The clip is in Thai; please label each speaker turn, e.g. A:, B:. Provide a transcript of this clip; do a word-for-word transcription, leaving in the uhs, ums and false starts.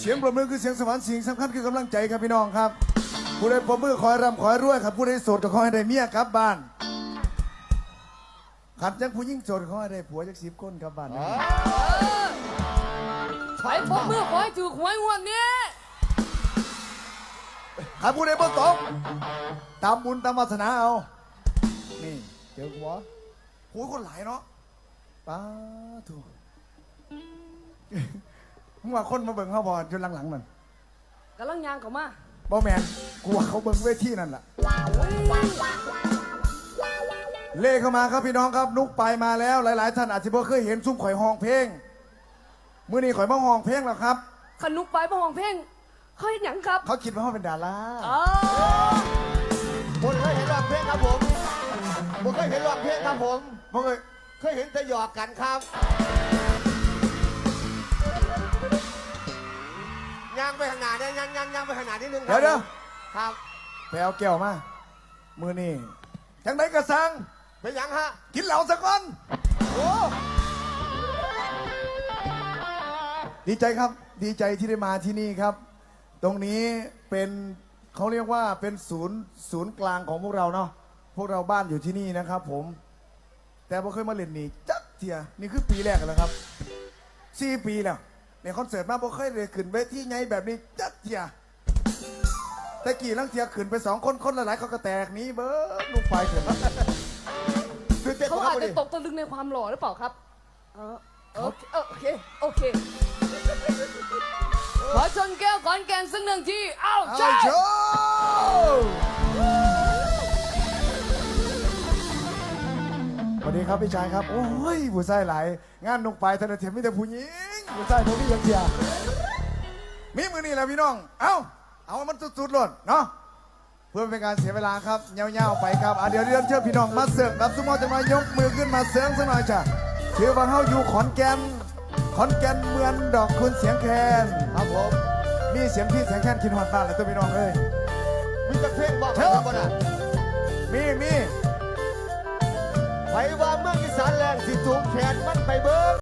A: เสียงปรบมือคือเสียงสวรรค์สิ่งสำคัญคือกำลังใจครับพี่น้องครับผู้ใดปรบมือขอให้ร่ำขอให้รวยครับผู้ใดโสดก็ขอให้ได้เมียกลับบ้านขัดจังผู้ยิ่งโสดขอให้ได้ผัวจักสิบคนกลับบ้านนะ
B: ไปพบเมื่อขอให้ถือหวยงวดนี้
A: ครับผู้ใดบ่ตกตามบุญตามวาสนาเอานี่เจอหัวหัวคนหลายเนาะป้าถูกมึงว่าคนมาเบิ่งเขาบอลจนหลังๆมัน
B: กำลังยางเขามา
A: บ่แมนกลัวเขาเบิ่งเวทีนั่นแหละเล่เข้ามาครับพี่น้องครับนุกไปมาแล้วหลายๆท่านอาจจะบ่เคยเห็นซุ้มข่อยห้องเพลงมื้อนี้ข่อยมาห้องเพลงแล้วครับ
B: ขนุกไปประหองเพ่งเขาเห็นหยังครับ
A: เขาคิดว่าเขาเป็นดารา
B: อ๋อ
C: ผมเคยเห็นร้องเพลงครับผมผมเคยเห็นร้องเพลงครับผม
A: บ่เคย
C: เคยเห็นแต่หยอกกันครับย่างไปขางหนาดเนี่ยย่างย่างย่างไปขางหนาดนิดนึงค
A: เดี๋
C: รั
A: ยวเดี๋ยว
C: ครับ
A: ไปเอาแก้วมามื้อนี้จังไดกระสัง
C: เป็นหยังฮะ
A: กินเหล้าสักก่อน
C: โอ้
A: ดีใจครับดีใจที่ได้มาที่นี่ครับ ตรงนี้เป็นเขาเรียกว่าเป็นศูนย์ศูนย์กลางของพวกเราเนาะพวกเราบ้านอยู่ที่นี่นะครับผม แต่บ่เคยมาเล่นนี่จักเทียนี่คือปีแรกแล้วครับสี่ปีแล้วในคอนเสิร์ตมาบ่เคยเลยขึ้นเวทีไงแบบนี้จักเทียแต่กี่ลังเทียขึ้นไปสองคนคนละหลายเขาก็แตกหนี้เบิ้ลลูกไฟเถอะ
C: คือเต้น
B: เขา
C: ครั
B: อา
C: บ
B: จ
C: วัน
B: จะ
C: นี้
B: ตกตะลึงในความหล่อหรือเปล่าครับเออโอเคโอเคโอเคขอชนแก้วก่อนแกนสักหนึ่งทีเอ้า
A: เอา
B: ใช่
A: โชว์สวัสดีครับพี่ชายครับโอ้ยผู้ชายหลายงานนกไปธนาเทียมมีแต่ผู้หญิงผู้ชายเขาพี่ยังเทียมีมือนี่แหละพี่น้องเอ้าเอามันสุดๆหล่นเนาะเพื่อเป็นการเสียเวลาครับเงี้ยวๆไปครับอ่ะเดี๋ยวเรียนเชิญพี่น้องมาเสิร์ฟครับสมมติจะมายกมือขึ้นมาเสิร์ฟสักหน่อยจ้ะถือว่าเฮาอยู่ขอนแก่นขอนแก่นเมืองดอกคุณเสียงแคนครับผมมีเสียงพี่เสียงแคนกินหอดบ้านเลยตัวพี่น้องเอ้ย
C: มีแต่เพลงบอก
A: เชิญ
C: ครับวันน่ะ
A: มีมี
C: ไปว่าเมืองอีสานแรงสิสูงแขนมันไปเบิ้ง